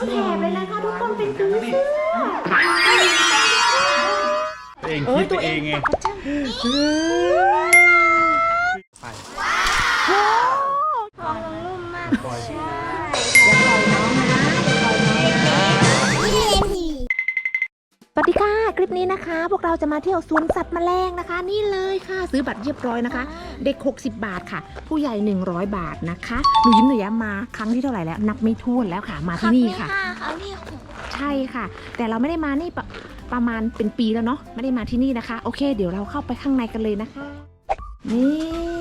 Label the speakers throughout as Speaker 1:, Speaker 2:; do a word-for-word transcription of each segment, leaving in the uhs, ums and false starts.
Speaker 1: แถบเลยนะคะทุกคนเป็นผีเสื้อ
Speaker 2: เองคิดไปเองไงไป
Speaker 1: โอ้
Speaker 3: ท้องนุ่มมากใช่
Speaker 1: อย่าปล่อยน้องนะอย่าปล่อยน้องนะสวัสดีค่ะคลิปนี้นะคะ พวกเราจะมาเที่ยวสวนสัตว์แมลงนะคะนี่เลยค่ะซื้อบัตรเรียบร้อยนะคะ เด็กหกสิบบาทค่ะผู้ใหญ่หนึ่งร้อยบาทนะคะหนูยิ้มหนูแย้มมาครั้งที่เท่าไหร่แล้วนับไม่ถ้วนแล้วค่ะมาที่นี่ค่ะ
Speaker 3: ครั้งที่หก
Speaker 1: ใช่ค่ะแต่เราไม่ได้มานี่ปประมาณเป็นปีแล้วเนาะไม่ได้มาที่นี่นะคะโอเคเดี๋ยวเราเข้าไปข้างในกันเลยนะคะนี่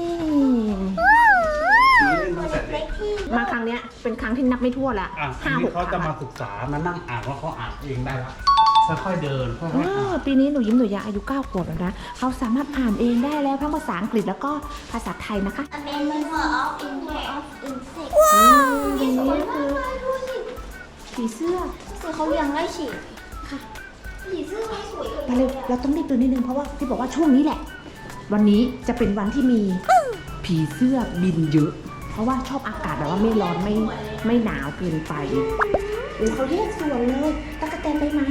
Speaker 1: มาครั้งเนี้ยเป็นครั้งที่นับไม่ทั่วละ
Speaker 2: ห้าหกเขาจะมาศึกษามานั่งอ่านว่าเขาอ่านเองได้ละค่อยๆเดินค่อยๆอ่าน
Speaker 1: ปีนี้หนูยิ้มหนูยาอายุเก้าขวบแล้วนะเขาสามารถอ่านเองได้แล้วทั้งภาษาอังกฤษแล้วก็ภาษาไทยนะคะ
Speaker 3: Amendment of Inter of Insect
Speaker 1: ว้าวนี่คือผีเสื้อ
Speaker 3: คือเขาเลี้ยงไล่ฉีดค่ะผีเสื้อไม่สวยเลย
Speaker 1: ไปเลยเราต้องรีบเดินนิดนึงเพราะว่าที่บอกว่าช่วงนี้แหละวันนี้จะเป็นวันที่มีผีเสื้อบินเยอะเพราะว่าชอบอากาศแบบว่าไม่ร้อนไม่ไม่หนาวเกินไปโอ้เขาเรียกสวยเลยตะกะแตนใบไม้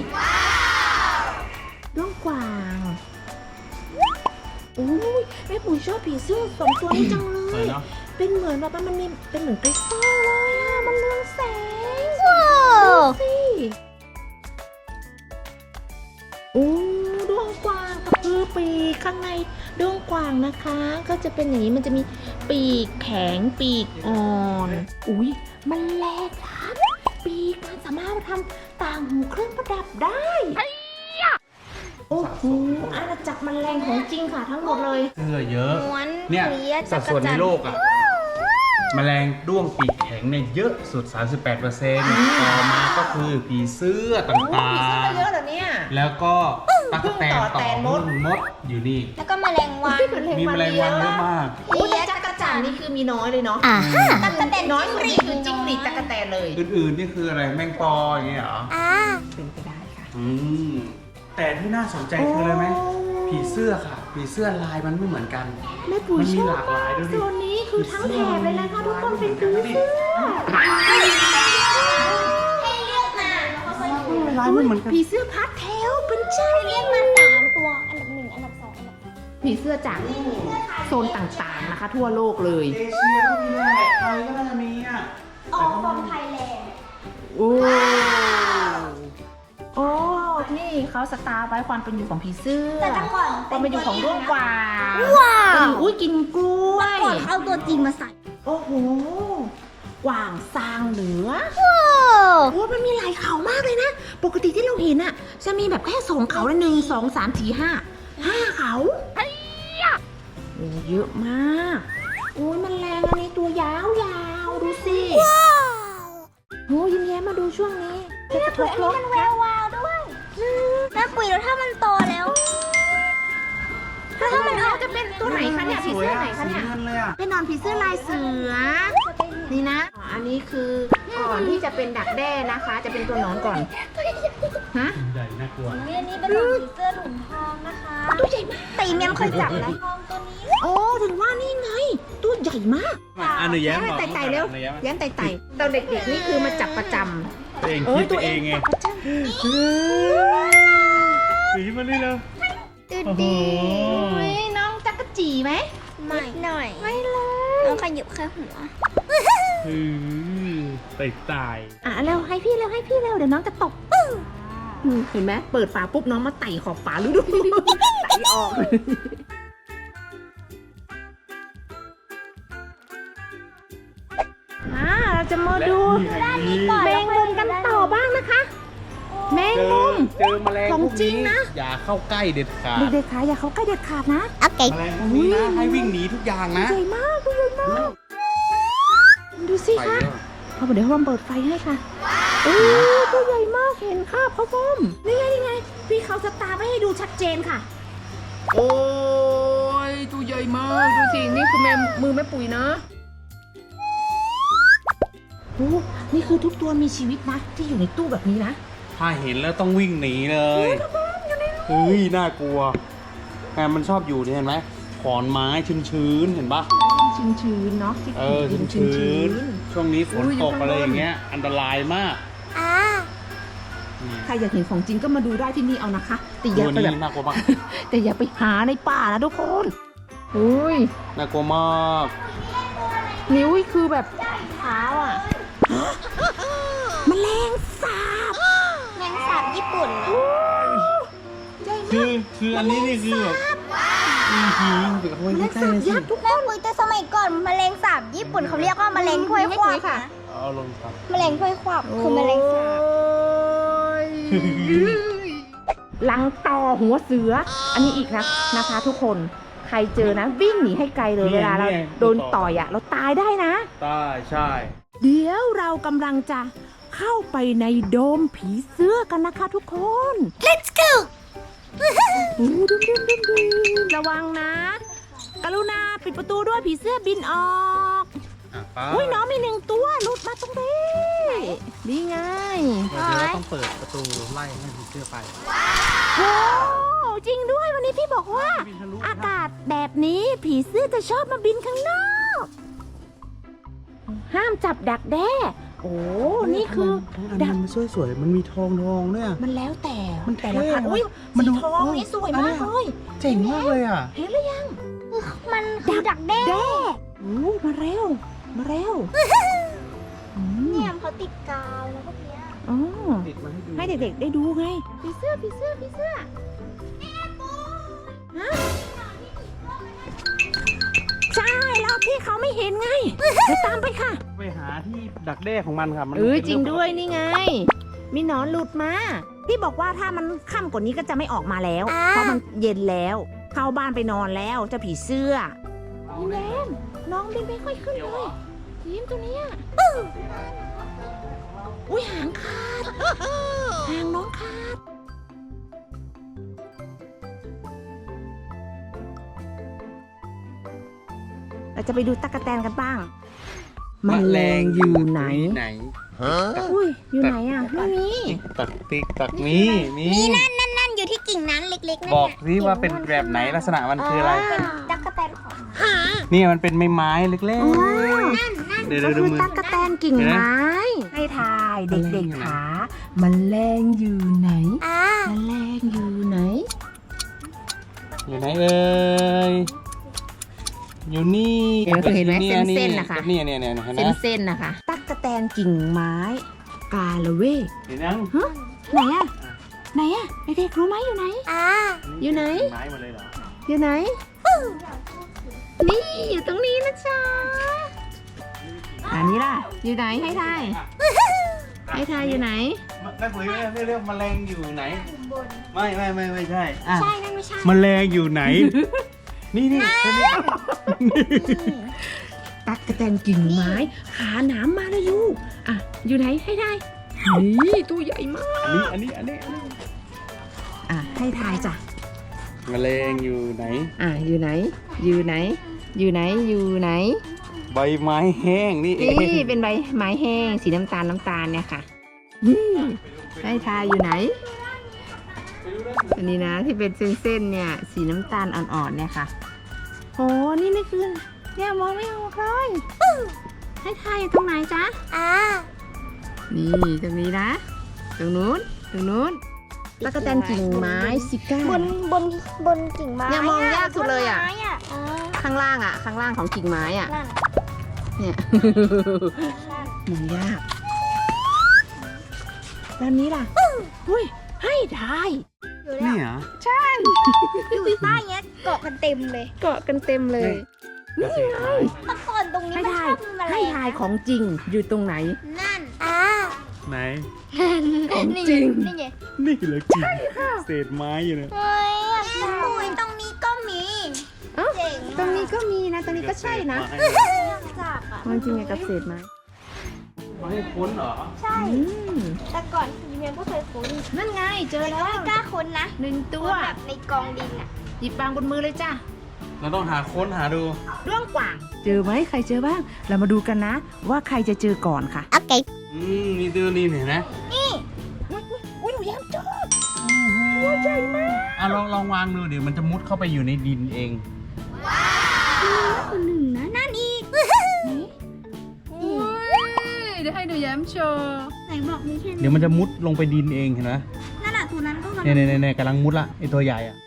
Speaker 1: ด้วงกวางโอ้ยแม่ปุ๋ยชอบผีเสื้อสองตัวนี้จังเลยเป็นเหมือนแบบว่ามันมีเป็นเหมือนคริสตัลเลยอ่ะมันเรืองแสงว้าวสิโอ้ด้วงกวางกับคือปีกข้างในด้วงกวางนะคะก็จะเป็นอย่างนี้มันจะมีปีกแข็งปีกอ่อนอุ้ยมันแหลกครับปีกมันสามารถมาทำต่างหูเครื่องประดับได้โอ้โหอาณาจักรแมลงของจริงค่ะทั้งหมดเลย
Speaker 2: เสื้อเยอะ
Speaker 3: ม้วน
Speaker 2: เนี่ย
Speaker 3: เลีย
Speaker 2: สัดส่วนในโลกอ่ะแมลงด้วงปีกแข็งเนี่ยเยอะสุด สามสิบแปดเปอร์เซ็นต์ ต่อมาก็คือผีเสื้อต่าง
Speaker 1: ผีเสื้อเยอะเหรอเนี่ย
Speaker 2: ๆแล้วก็ตั๊กแตนต่อมดมดอยู่นี่
Speaker 3: แล้วก็แมลงวัน
Speaker 2: มีแมลงวันเยอะมาก
Speaker 1: โอ้แต่จักรจั่นนี่คือมีน้อยเลยเนาะ
Speaker 3: อ่าตั๊กแตน
Speaker 1: น้อยสุดนี่คือจิ้งหรีดจักรแตนเลย
Speaker 2: อื่นๆนี่คืออะไรแมงปออย่างเงี้ยเหรอ
Speaker 3: อ่า
Speaker 1: เป็นไปได้ค่ะ
Speaker 2: อืมแต่ที่น่าสนใจคืออะไรไหมผีเสื้อค่ะผีเสื้อลายมันไม่เหมือนกัน
Speaker 1: แม่ปุ๋ย
Speaker 2: มัน
Speaker 1: ช
Speaker 2: มี
Speaker 1: อบ
Speaker 2: หลากหลายด้วยดิ
Speaker 1: โซนนี้คือทั้งแถบเลยนะคะทุกคนเป็นผีเสื้อ
Speaker 3: ให้เลือกมา
Speaker 2: ลายไม่เหมือนกัน
Speaker 1: ผีเสื้อพาสเทลเป็นใช่
Speaker 3: ให้เลือกมาสามตัวอันดับหนึ่งอันดับสองอันดับสาม
Speaker 1: ผีเสื้อจากโซนต่างๆนะคะ ทั่วโลกเลย
Speaker 2: เอเชียก็มีแหละไทยก็น่าจะมีอ่ะ
Speaker 3: ออกฟอร์มไทยแลนด์
Speaker 1: โอ้โอ้นี่เขาสตาร์ไว้ความเป็นอยู่ของผีเสื้อ
Speaker 3: แต่ก่อน
Speaker 1: ความเป็นอยู่ของด้วงกวาง
Speaker 3: ว้าว
Speaker 1: อุ้ยกินกล้วย
Speaker 3: ก่อนเขาเอาตัวจริงมาใส่
Speaker 1: โอ้โหกวางซางเหนือ
Speaker 3: ว้าว
Speaker 1: โอ้มันมีหลายเขามากเลยนะปกติที่เราเห็นอะจะมีแบบแค่สองเขาหนึ่งสองสามสี่ห้าห้าเขาโอ้เยอะมากโอ้ยมันแรงอันนี้ตัวยาวยาวดูสิโอ้ยิ้มแย้มมาดูช่วงนี้จะกระทบรถ
Speaker 3: มันแวววาวด้วยแม่ปุ๋ยแล้วถ้ามันโตแล้ว
Speaker 1: ถ้ามันออกจะเป็นตัวไหนคะเนี่ยผีเสื้อไหนคะเนี่ย
Speaker 2: สีเงินเลยอ่ะ
Speaker 1: เป็นนอนผีเสื้อลายเสือนี่นะอ๋ออันนี้คือก่อนที่จะเป็นดักแด้นะคะ จะเป็นตัวหนอนก่อนฮะ
Speaker 2: ใหญ่น่ากลัว
Speaker 3: อันนี้เป็นผีเสื้อถุงทองนะคะตัวใหญ่มากแต่ยังไม่เคยจับนะทองตัวนี้
Speaker 1: โอ้ถึงว่านี่ไงตัวใหญ่มาก
Speaker 2: อ่ะหนูแย้มบอก
Speaker 1: ไต่ไต่เร็ว
Speaker 2: หนูแย้ม
Speaker 1: แย้มไต่ไต่ตอนเด็กๆนี่คือมาจับประจำ
Speaker 2: เองคิดไปเองไงหนูยิ้มมาเลยเร็ว
Speaker 3: ตื่น
Speaker 2: โอ้โห
Speaker 3: ดี
Speaker 1: โอ้ยน้องจักรจีไหม
Speaker 3: ไม่หน่อย
Speaker 1: ไม่เลย
Speaker 3: น้องขยิบแค่หัว
Speaker 2: อือไต่ไต่
Speaker 1: อ่ะเร็วให้พี่เร็วให้พี่เร็วเดี๋ยวน้องจะตกอืมเห็นไหมเปิดฝาปุ๊บน้องมาไต่ขอบฝาดูดูไต่ออกอ่าเราจะมาดู
Speaker 2: และนี่
Speaker 1: แมงมุมกันต่อบ้างนะคะ แมง
Speaker 2: เจอ
Speaker 1: มุม
Speaker 2: เจอแมลง
Speaker 1: ของ
Speaker 2: พวก
Speaker 1: จริง
Speaker 2: นี้
Speaker 1: นะ
Speaker 2: อย่าเข้าใกล้เด็ดขาด
Speaker 1: เด็กๆขาอย่าเขาใกล้เด็ดขาดนะ
Speaker 3: โอเค
Speaker 2: แมลงพวกนี้นะให้วิ่งหนีทุกอย่างนะ
Speaker 1: ใหญ่มากตัวใหญ่มากดูสิ
Speaker 2: ไป
Speaker 1: คะ
Speaker 2: แล้ว
Speaker 1: พอเดี๋ยวเราเปิดไฟให้ค่ะโอ้ตัวใหญ่มากเห็นค่ะพ่อป้อมนี่ไงนี่ไงพี่เขาสตาร์ไว้ให้ดูชัดเจนค่ะ โอ้ยตัวใหญ่มากดูสินี่คือแม่มือแม่ปุ๋ยนะโอ้นี่คือทุกตัวมีชีวิตนะที่อยู่ในตู้แบบนี้นะ
Speaker 2: ถ้าเห็นแล้วต้องวิ่งหนีเลยเฮ้ยน่ากลัวแม่มันชอบอยู่นี่เห็นไหมขอนไม้ชื้นๆเห็นปะ
Speaker 1: ชื้นชื้นๆเนาะที่
Speaker 2: เออ
Speaker 1: ดิน
Speaker 2: ชื้
Speaker 1: ชื้
Speaker 2: น
Speaker 1: น
Speaker 2: ๆช่วงนี้ฝนตกอะไรอย่างเงี้ยอันตรายมาก
Speaker 1: ๆ
Speaker 3: อ่า
Speaker 1: ใครอยากเห็นของจริงก็มาดูได้ที่นี่เอานะคะแต่อ
Speaker 2: ตั
Speaker 1: ย่าว ไป
Speaker 2: นี้
Speaker 1: แบบ
Speaker 2: น่ากลัวมาก
Speaker 1: แต่อย่าไปหาในป่านะทุกคนอุ้ย
Speaker 2: น่ากลัวมาก
Speaker 1: นิ้วคือแบบเท้าอ่ะแมลงสาบ
Speaker 3: แมงสาบญี่ปุ่น
Speaker 2: คือคืออันนี้นี่คือแบบอือหือเดี๋ยวเขา
Speaker 1: แมล
Speaker 2: ไว้
Speaker 1: ง
Speaker 2: ใกล้
Speaker 1: สาบ
Speaker 2: ๆสิ
Speaker 1: ยักษ์ทุก
Speaker 3: แม่คุยแต่สมัยก่อนแมลงสาบญี่ปุ่นเขาเรียกว่าแมลงถ้วยคว่ำ
Speaker 1: ค่ะ
Speaker 3: นะ
Speaker 2: เอาลงครับ
Speaker 3: แมลงถ้วยคว่ำคือแมลงสาบ
Speaker 1: ลังต่อหัวเสือ อันนี้อีกนะนะคะ ทุกคนใครเจอนะวิ่งหนีให้ไกลเลยเวลาเราโดนต่อยอ่ะเราตายได้นะ
Speaker 2: ใช่ใช่
Speaker 1: เดี๋ยวเรากำลังจะเข้าไปในโดมผีเสื้อกันนะคะทุกคน
Speaker 3: Let's go
Speaker 1: ดูดูดูดูดูระวังนะ กรุณาปิดประตูด้วยผีเสื้อบินออก
Speaker 2: อ่ะไป
Speaker 1: อุ้ยน้องมีหนึ่งตัวหลุดมาตรงนี้นี่ไง
Speaker 2: เดี๋ยวเราต้องเปิดประตูไล่ให้ผีเสื้อไป
Speaker 1: โอ้จริงด้วยวันนี้พี่บอกว่า
Speaker 2: บินทะลุ
Speaker 1: อากาศแบบนี้ผีเสื้อจะชอบมาบินข้างนอก ห้ามจับดักแด้ โอ้ นี่คือ
Speaker 2: อัน
Speaker 1: ดัก
Speaker 2: มันสวยๆมันมีทองทองด้วยอะ
Speaker 1: มันแล้วแต่
Speaker 2: มัน
Speaker 1: แต่ละ
Speaker 2: เท่
Speaker 1: พัน
Speaker 2: นะ
Speaker 1: อุ้ย
Speaker 2: มัน
Speaker 1: สี
Speaker 2: ดู
Speaker 1: ทองนี่สวยมากเลย
Speaker 2: เจ๋งมากเลยอ่ะ
Speaker 1: เห็นหรือยัง
Speaker 3: มันคือดักแด้
Speaker 1: แด้โอ้มาเร็ว มาเร็วอืม
Speaker 3: เนี่ยเขาติดกาวแล้วพวกเนี้ย
Speaker 1: อ๋อ
Speaker 2: ติดมาให้ดู
Speaker 1: ให้เด็กๆได้ดูไงผีเสื้อผีเสื้อผีเสื้อฮะใช่แล้วพี่เขาไม่เห็นไงเดี๋ยวตามไปค่ะ
Speaker 2: ไปหาที่ดักแด้ของมันค่ะมัน
Speaker 1: เออ
Speaker 2: ป็น
Speaker 1: จริงด้วย
Speaker 2: ปกติ
Speaker 1: นี่ไง มีหนอนหลุดมาพี่บอกว่าถ้ามันค่ำกว่านี้ก็จะไม่ออกมาแล้ว เพราะมันเย็นแล้ว เข้าบ้านไปนอนแล้วเจะผีเสื้อยิ้มแย้มน้องบินไม่ค่อยขึ้นเลยยิ้มตัวเนี้ยอุ้ยหางขาดหางน้องขาดเราจะไปดูตั๊กแตนกันบ้างแมลงอยู่ไหน
Speaker 2: ไหน
Speaker 1: อุ้ยอยู่ไหนอ่ะไม่มี
Speaker 2: ตักติ๊กตักนี้มี
Speaker 3: นั่นนั่นนั่นอยู่ที่กิ่งนั้นเล็กๆนั่น
Speaker 2: บอก
Speaker 3: น่ะ
Speaker 2: สิว่าเป็นแบบไหนลักษณะมันคืออะไร
Speaker 3: เป็นตั๊กแตนของ
Speaker 2: นี่มันเป็นไม้ไม้ๆเล็ก
Speaker 1: อ๋อ
Speaker 3: นั่นนั่น
Speaker 2: ๆเดี๋ยว
Speaker 1: ก็
Speaker 2: เดี๋ยวดู
Speaker 1: คือ
Speaker 2: มือ
Speaker 1: ตั๊กแตนกิ่งไม้ ให้ทายเด็กๆขามันแรงอยู่ไหน
Speaker 3: อ่า
Speaker 1: มันแรงอยู่ไหน
Speaker 2: อยู่ไหนเอ่ยอยู่นี่
Speaker 1: เดี๋ยวเห็นไหม
Speaker 2: อยู่
Speaker 1: เส้นๆนะคะ
Speaker 2: นี่เนี่ยเนี่ยเห็นไหม
Speaker 1: เส้นๆนะคะ ตั๊กแตนกิ่งไม้ กาละเวก
Speaker 2: เห็นยัง
Speaker 1: ฮะไหนอะไหนอะเด็กๆรู้ไหมอยู่ไหน
Speaker 3: อ่า
Speaker 1: อยู่ไหน
Speaker 2: ไม้หมดเลยเหรอ
Speaker 1: อยู่ไหน นี่อยู่ตรงนี้นะจ๊ะอันนี้ล่ะ อยู่ไหนให้ทาย ให้ทายอยู่ไหน
Speaker 2: แม่ปุ๋ยเรียกเรียกแมลงอยู่ไหน
Speaker 3: บน
Speaker 2: ไม่ไม่ไม่ไม่ใช่อ่ะ
Speaker 3: ใช่นั่นไม่ใช่
Speaker 2: แมลงอยู่ไหน นี่นี่ตัวนี้
Speaker 1: ตักกะแตนกิ่งไม้ ขาหนามมาเลยยูอ่ะ อยู่ไหนให้ทายนี่ตัวใหญ่มาก
Speaker 2: อันนี้อันนี้อันนี้อันนี้
Speaker 1: อ่ะ ให้ทายจ้ะ
Speaker 2: แมลงอยู่ไหน
Speaker 1: อ่ะ อยู่ไหน อยู่ไหน อยู่ไหน อยู่ไหน
Speaker 2: ใบไม้แห้งนี่เอง
Speaker 1: นี่เป็นใบไม้แห้ง สีน้ำตาลน้ำตาลเนี่ยค่ะนี่ให้ทายอยู่ไหน อันนี้นะที่เป็นเส้นๆเนี่ย สีน้ำตาลอ่อนๆเนี่ยค่ะโอ้นี่นี่คือเนี่ยมองไม่ออกเลยให้ทายอยู่ตรงไหนจ๊ะ
Speaker 3: อ่า
Speaker 1: นี่ตรงนี้นะ ตรงนู้น ตรงนู้นตะกะแตนกิ่งไม้ซิก้า
Speaker 3: บนบนบนกิ่งไม้
Speaker 1: เนี่ยมองยากสุดเลยอะ
Speaker 3: บนไม้อ่ะอ่า
Speaker 1: ข้างล่างอ่ะ ข้างล่างของกิ่งไม้อ่ะ
Speaker 3: นั่น
Speaker 1: เนี่ย
Speaker 3: นั่น
Speaker 1: มองยากแล้วนี้ล่ะอุ้ย ให้ทาย
Speaker 3: อยู่แล้
Speaker 2: นี่
Speaker 3: ว
Speaker 2: เหรอ
Speaker 3: อยู่ใต้เงี้ยเกาะกันเต็มเลย
Speaker 1: เกาะกันเต็มเลย
Speaker 2: เกษตรไม้
Speaker 3: เมื่อก่อนตรงนี้
Speaker 1: ให้
Speaker 3: มันช
Speaker 1: ทา
Speaker 3: อย บมีแมลง
Speaker 1: ให้ทายของจริงอยู่ตรงไหน
Speaker 3: นั่น อ่า
Speaker 2: ไหน
Speaker 1: ของจริง
Speaker 3: นี่ไง
Speaker 2: นี่เหรอจริงเศษไม้อยู่เนี่ย
Speaker 3: เฮ้ยปุยตรงนี้ก็มี
Speaker 1: เอ้า
Speaker 3: เจ๋ง
Speaker 1: ตรงนี้ก็มีนะ ตรงนี้ก็ใช่นะ
Speaker 2: เกษตรไม้
Speaker 3: จากอ่ะ
Speaker 1: มันจริงไงกับเศษไม้
Speaker 2: ไม้ค้นเหรอ
Speaker 3: ใช่
Speaker 1: อืม
Speaker 3: แต่ก่อนคือเมียก็เคยค้น
Speaker 1: นั่นไงเจอแล้ว
Speaker 3: ไม่กล้าค้นนะ
Speaker 1: หนึ่งตัว
Speaker 3: แบบในกองดินอ่ะ
Speaker 1: หยิบบางบนมือเลยจ้ะ
Speaker 2: เราต้องหาค้นหาดู
Speaker 1: ด้วงกว่าง เจอไหมใครเจอบ้าง เรามาดูกันนะ ว่าใครจะเจอก่อนค่ะ
Speaker 3: โอเค
Speaker 2: อืมนี่ตัวนี้เห็นไหม
Speaker 3: นี่
Speaker 1: อุ้ยหนูแย้มเจอตัวใหญ่มาก
Speaker 2: อ่ะลองลองวางดูเดี๋ยวมันจะมุดเข้าไปอยู่ในดินเอง
Speaker 3: คนหนึ่งนะนั่นอีก
Speaker 1: เดี๋ยวให้หนูแย้มโชว์
Speaker 3: ไหนบอกมีแค่
Speaker 2: เดี๋ยวมันจะมุดลงไปดินเองเห็นไหม
Speaker 3: นั่นแหละตัวนั้นก็มัน
Speaker 2: เนี่ยเนี่ยเนี่ยกำลังมุดละไอตัวใหญ่อะ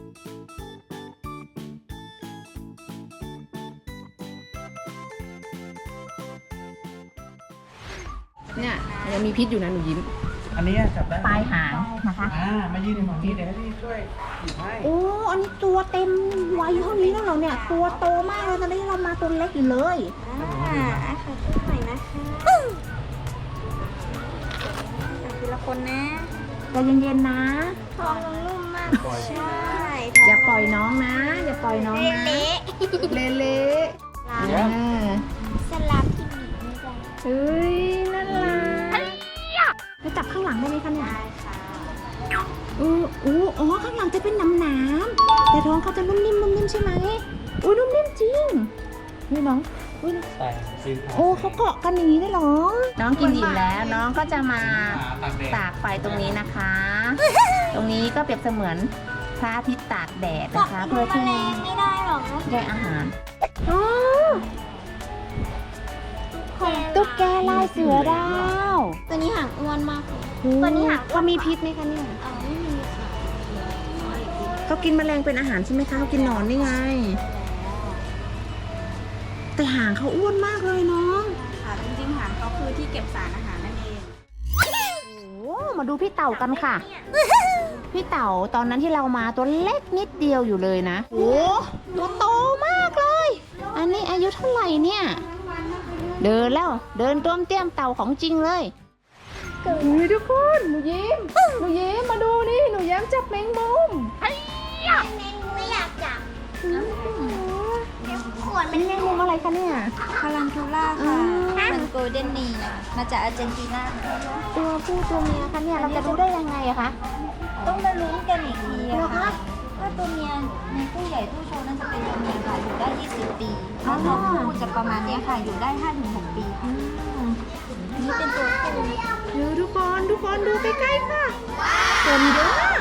Speaker 1: เนี่ยยังมีพิษอยู่นะหนูยิ้ม
Speaker 2: อันนี้จับได้
Speaker 1: ปลายหางนะคะ
Speaker 2: อ่ามายืนในฝั่งนี้เดี๋ยวให้พี่ช่วยหยิบให้
Speaker 1: โอ้อันนี้ตัวเต็มวัยเท่านี้แล้วเหรอเนี่ยตัวโตมากเลยตอนนี้เรามาตัวเล็กอยู่เลย
Speaker 3: อ่าอ่ะค่ะขึ้นหน่อยนะคะอ่ะทีละคนนะ
Speaker 1: ใจเย็นๆนะ
Speaker 3: ทองนุ่มมากใช่
Speaker 1: อย่าปล่อยน้องนะ อย่าปล่อยน้องนะ
Speaker 3: เละ
Speaker 1: เละๆ
Speaker 3: ลา
Speaker 1: อ่า
Speaker 3: สลับที่หนีไม่ได้
Speaker 1: เฮ้ยน่ารักแล้วจับข้างหลังได้ไหมคะเนี่ย
Speaker 3: ได้ค่ะ
Speaker 1: เอออู้อ๋อข้างหลังจะเป็นน้ำน้ำๆแต่ท้องเขาจะนุ่มนิ่มนุ่มนิ่มใช่ไหมอุ้ยนุ่มนิ่มจริงนี่น้องอุ้ย
Speaker 2: ใส่ซื้อ
Speaker 1: โอ้เขาเกาะกันอย่างนี้ได้เหรอ น้องกินอิ่มแล้ว น้องก็จะมา
Speaker 2: ตากแดด
Speaker 1: ตากไฟตรงนี้นะคะ ตรงนี้ก็เปรียบเสมือนพระอาทิตย์ตากแดดนะคะ เพื่อที่
Speaker 3: แมลงไม่ได้หรอกนะ
Speaker 1: ได้อาหารอ๋อตุ๊กแกลายเสือดาว
Speaker 3: ตัวนี้หางอ้วนมากเลย
Speaker 1: โอ้
Speaker 3: ตัวนี้หางอ้วน
Speaker 1: เขามีพิษไหมคะเนี่ย
Speaker 3: เออไม่มีค่ะ
Speaker 1: เขากินแมลงเป็นอาหารใช่ไหมคะเขากินหนอนนี่ไง แต่หางเขาอ้วนมากเลยเนาะ
Speaker 3: ค่ะจริงๆหางเขาคือที่เก็บสารอาหารนั่นเอง
Speaker 1: โอ้มาดูพี่เต่ากันค่ะ พี่เต่าตอนนั้นที่เรามาตัวเล็กนิดเดียวอยู่เลยนะ โอ้ตัวโตมากเลย อันนี้อายุเท่าไหร่เนี่ย เดินแล้วเดินต้วมเตี้ยมเต่าของจริงเลยอุ้ยทุกคนหนูยิ้มหนูยิ้มมาดูนี่หนูแย้มจับแมงมุม
Speaker 3: แมงไม่อยากจับขวด
Speaker 1: เป็นแมงมุมอะไรคะเนี่ย
Speaker 3: คารันทูล่า
Speaker 1: อ่า
Speaker 3: ค่ะเป็นโกลเด้นนีมาจากอาร์เจนตินา
Speaker 1: ตัวผู้ตัวเมียคะเนี่ยเราจะรู้ได้ยังไงอะคะ
Speaker 3: ต้องมาลุ้นกันอีกที
Speaker 1: เหรอ
Speaker 3: อะ
Speaker 1: คะ
Speaker 3: ค่ะถ้าตัวเมียในผู้ใหญ่ผู้โชว์นั่นจะเป็นตัวเมียค่ะอยู่ได้ ยี่สิบ ปีถ้าตัวผู้จะประมาณเนี้ยค่ะอยู่ได้ ห้าถึงหก ปีค่ะนี่เป็นตัวผู้
Speaker 1: เดี๋ยวทุกคนทุกคนดูใกล้ๆค่ะคนเยอะมาก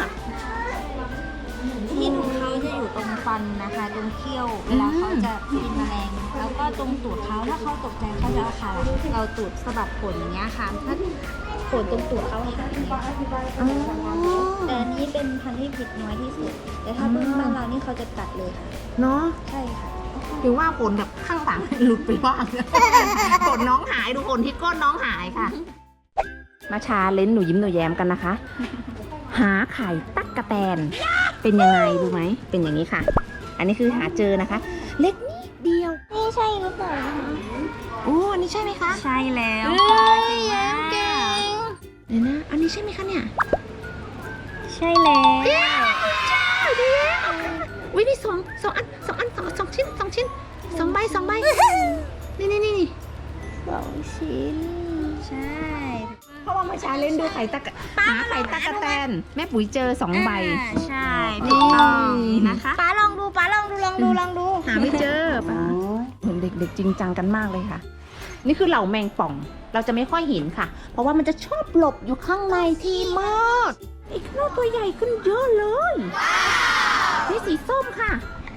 Speaker 3: ที่ดูเขาจะอยู่ตรงฟันนะคะ ตรงเขี้ยวเวลาเขาจะกินแมลง แล้วก็ตรงตูดเขาถ้าเขาตกใจเขาจะเอาขาเราตูดสะบัดขนอย่างเงี้ยค่ะถ้าขนตรงตูดเขาหายอย่างเงี้ย
Speaker 1: อ๋อ
Speaker 3: แต่อันนี้เป็นพันธุ์ที่ผิดน้อยที่สุด แต่ถ้าเป็นบ้านเรานี่เขาจะตัดเลยค่ะ
Speaker 1: เนาะ
Speaker 3: ใช่ค่ะ
Speaker 1: ถึงว่าขนแบบข้างหลังหลุดไปบ้าง ขนน้องหายดูขนที่ก้นน้องหายค่ะ มาชาเลนจ์หนูยิ้มหนูแย้มกันนะคะ หาไข่ตั๊กกะแตน เป็นยังไงรู้ไหม เป็นอย่างนี้ค่ะ อันนี้คือหาเจอนะคะ เล็กนิดเดียว
Speaker 3: นี่ใช่หรือเปล่า
Speaker 1: โอ้อันนี้ใช่ไหมคะ
Speaker 3: ใช่แล้ว
Speaker 1: เอ้
Speaker 3: ค่ะ
Speaker 1: ยแย้มเก่งเดี๋ยวนะ อันนี้ใช่ไหมคะเนี่ย
Speaker 3: ใช่แล้ว
Speaker 1: เย้ใช่เดี๋ยววินี่สองสองอันสองอันสองสองชิ้นสองชิ้นสองใบสองใบ นี่นี่นี่นี่
Speaker 3: สองชิ้น ใช่
Speaker 1: เพราะว่าเมื่อเช้าเล่นดูไข่ตะกะหาไข่ตะกะแตน แม่ปุ๋ยเจอสองใบ
Speaker 3: อ่าใช่
Speaker 1: นี่
Speaker 3: ถูกต้องนะคะป้าลองดูป้าลองดูลองดูลองดู
Speaker 1: หาไม่เจอป่ะเห็นเด็กๆจริงจังกันมากเลยค่ะ นี่คือเหล่าแมงป่อง เราจะไม่ค่อยเห็นค่ะ เพราะว่ามันจะชอบหลบอยู่ข้างในที่มืดอีกข้างนอกตัวใหญ่ขึ้นเยอะเลยนี่สีส้มค่ะ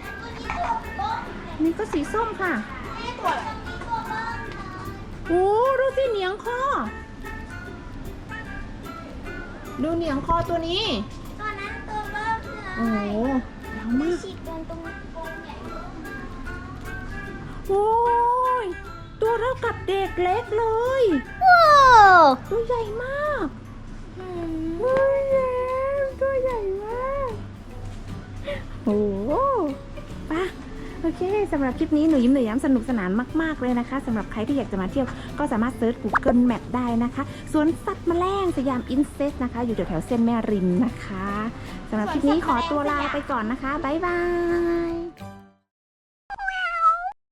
Speaker 1: นี่ก็สีส้มค่ะ โอ้ดูสิเหนียงคอ ดูเหนียงคอตัวนี้
Speaker 3: ตอนนั้นตัวเริ่มเลย
Speaker 1: โอ้โหยาวมาก
Speaker 3: ฉีดโดนตรงโกงใหญ่
Speaker 1: โอ้ย ตัวเท่ากับเด็กเล็กเลย
Speaker 3: ว้าว
Speaker 1: ตัวใหญ่มากตัวใหญ่ตัวใหญ่มาก โอ้โหไปะโอเคสำหรับคลิปนี้หนูยิ้มหนูย้ำสนุกสนานมากๆเลยนะคะสำหรับใครที่อยากจะมาเที่ยวก็สามารถเซิร์ช Google Map ได้นะคะสวนสัตว์แมลงสยามอินเซสนะคะ อยู่แถวๆเส้นแม่ริมนะคะสำหรับคลิปนี้ขอตัวลาไปก่อนนะคะบ๊ายบาย